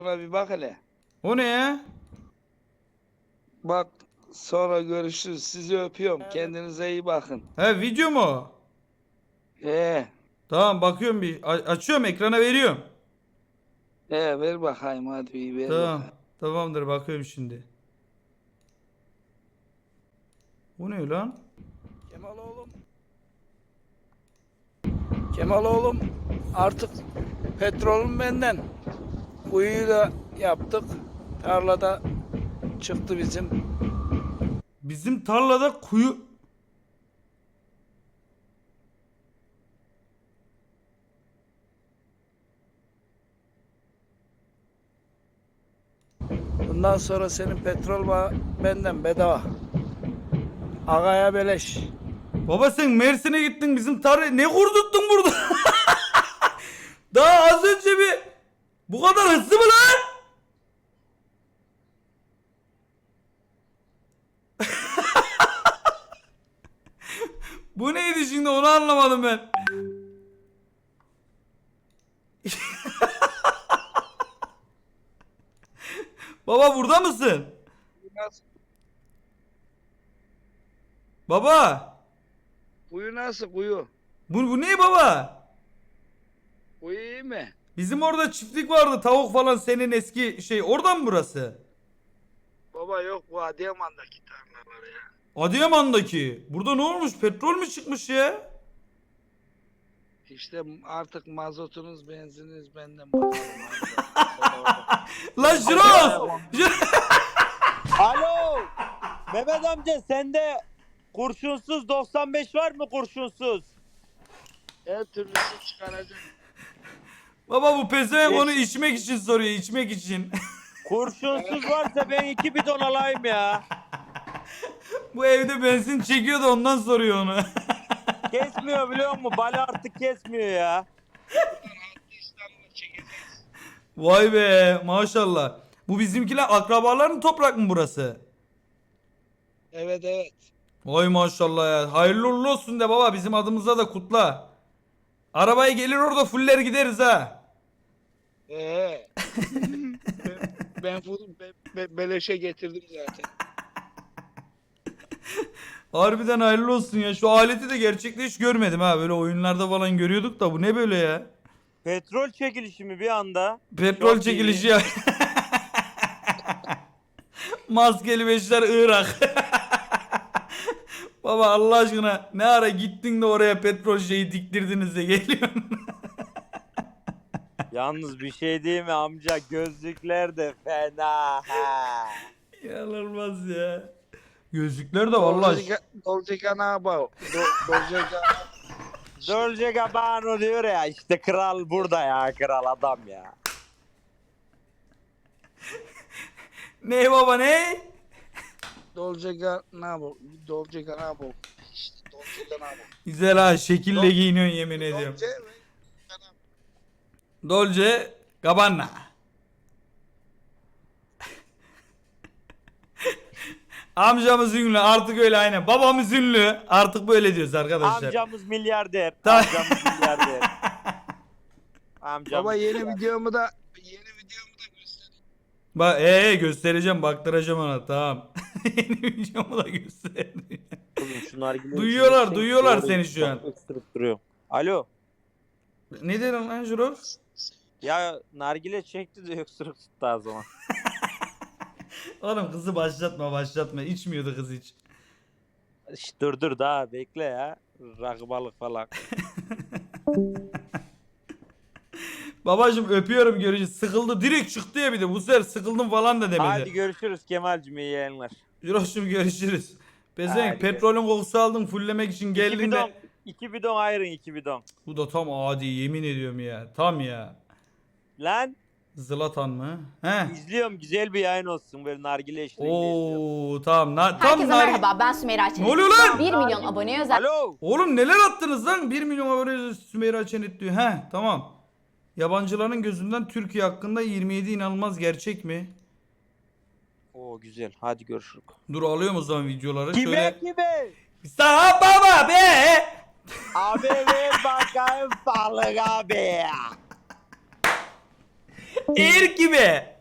Buna bir bak hele. O ne ya? Bak, sonra görüşürüz. Sizi öpüyorum. Kendinize iyi bakın. He, video mu o? Ee, Tamam, bakıyorum bir. Açıyorum, ekrana veriyorum. ver bakayım, hadi bir ver Tamam. bakayım. Tamamdır, bakıyorum şimdi. Bu ne lan? Kemal oğlum. Kemal oğlum, artık petrolüm benden. Kuyuyu da yaptık. Tarlada çıktı bizim. Bizim tarlada kuyu... Bundan sonra senin petrol benden bedava. Agaya beleş. Baba sen Mersin'e gittin, bizim tarlayı ne kurdurttun burada? Daha az önce bir... Bu kadar hızlı mı lan? Bu neydi şimdi, onu anlamadım ben. Baba burada mısın? Baba. Kuyu nasıl kuyu? Bu ne baba? Kuyu iyi mi? Bizim orada çiftlik vardı, tavuk falan, senin eski şey, oradan mı burası? Baba yok, bu Adıyaman'daki tarlalar ya. Adıyaman'daki. Burada ne olmuş? Petrol mü çıkmış ya? İşte artık mazotunuz, benzininiz benden bakalım. Lan Jiroz! Alo! Mehmet amca sende kurşunsuz 95 var mı kurşunsuz? Her türlüsü çıkaracak. Baba bu pezevenk onu içmek için soruyor, içmek için. Kurşunsuz varsa ben 2 bidon alayım ya. Bu evde benzin çekiyor da ondan soruyor onu. Kesmiyor biliyor musun? Bala artık kesmiyor ya. İstanbul'a çekeceğiz. Vay be, maşallah. Bu bizimkiler akrabaların toprak mı burası? Evet evet. Vay maşallah ya. Hayırlı uğurlu olsun de baba, bizim adımıza da kutla. Arabayı gelir orada fuller gideriz ha. ben, beleşe getirdim zaten. Harbiden hayırlı olsun ya. Şu aleti de gerçekte hiç görmedim ha. Böyle oyunlarda falan görüyorduk da bu ne böyle ya? Petrol çekilişi mi bir anda? Petrol Çok çekilişi iyi. ya. Maskeli beşler Irak. Baba Allah aşkına ne ara gittin de oraya petrol şeyi diktirdiniz de geliyorsun. Yalnız bir şey değil mi amca? Gözlükler de fena. Ha. İnanılmaz ya. Gözlükler de vallahi. Dolce Gabbana. Dolce Gabbana. Dolce Gabbana diyor ya işte kral burada ya kral adam ya. Ne baba ne? Dolce Gabbana. Dolce Gabbana. İşte Dolce Gabbana. Güzel ha, şekille giyiniyorsun yemin ediyorum. Dolce ve Gabbana. Dolce Gabbana. Amcamız ünlü artık, öyle aynen. Babamız ünlü artık, böyle diyoruz arkadaşlar. Amcamız milyarder. Ta- Amcamız milyarder. Amcamız Baba yeni milyarder. videomu da göstereyim. Bak göstereceğim, baktıracağım ona, tamam. Yeni videomu da gösterdim. Oğlum şu nargileyi Duyuyorlar, içeceksin, duyuyorlar doğru seni şu an. Öksürüp duruyor. Alo. Ne dedin lan Jurox? Ya nargile çekti de öksürük tuttu o zaman. Oğlum kızı başlatma. İçmiyordu kız hiç. Şş, dur daha bekle ya. Rakı balık falan. Babacım öpüyorum, görüşürüz. Sıkıldı direkt çıktı ya, bir de bu sefer sıkıldım falan da demedi. Hadi görüşürüz Kemal'cim, iyi yayınlar. Jurox'cum görüşürüz. Pezevenk Hadi petrolün kokusu aldım, fullemek için geldim de. 2 bidon ayırın 2 bidon. Bu da tam adi, yemin ediyorum ya. Tam ya. Lan Zlatan mı? He. izliyorum, güzel bir yayın olsun böyle nargile eşliğinde izliyorum. Oo tamam. Tam Herkese merhaba, ben Sümeyra Çenet. Ne oluyor lan? 1 milyon aboneye özel Alo. Oğlum neler attınız lan? 1 milyon abone Sümeyra Çenet diyor. He tamam. Yabancıların gözünden Türkiye hakkında 27 inanılmaz gerçek mi? Oo güzel, hadi görüşürüz. Dur alıyorum o zaman videoları. Kime Şöyle. kime? Sağ baba be. Abi ver bakayım balık abi. Eğer gibi.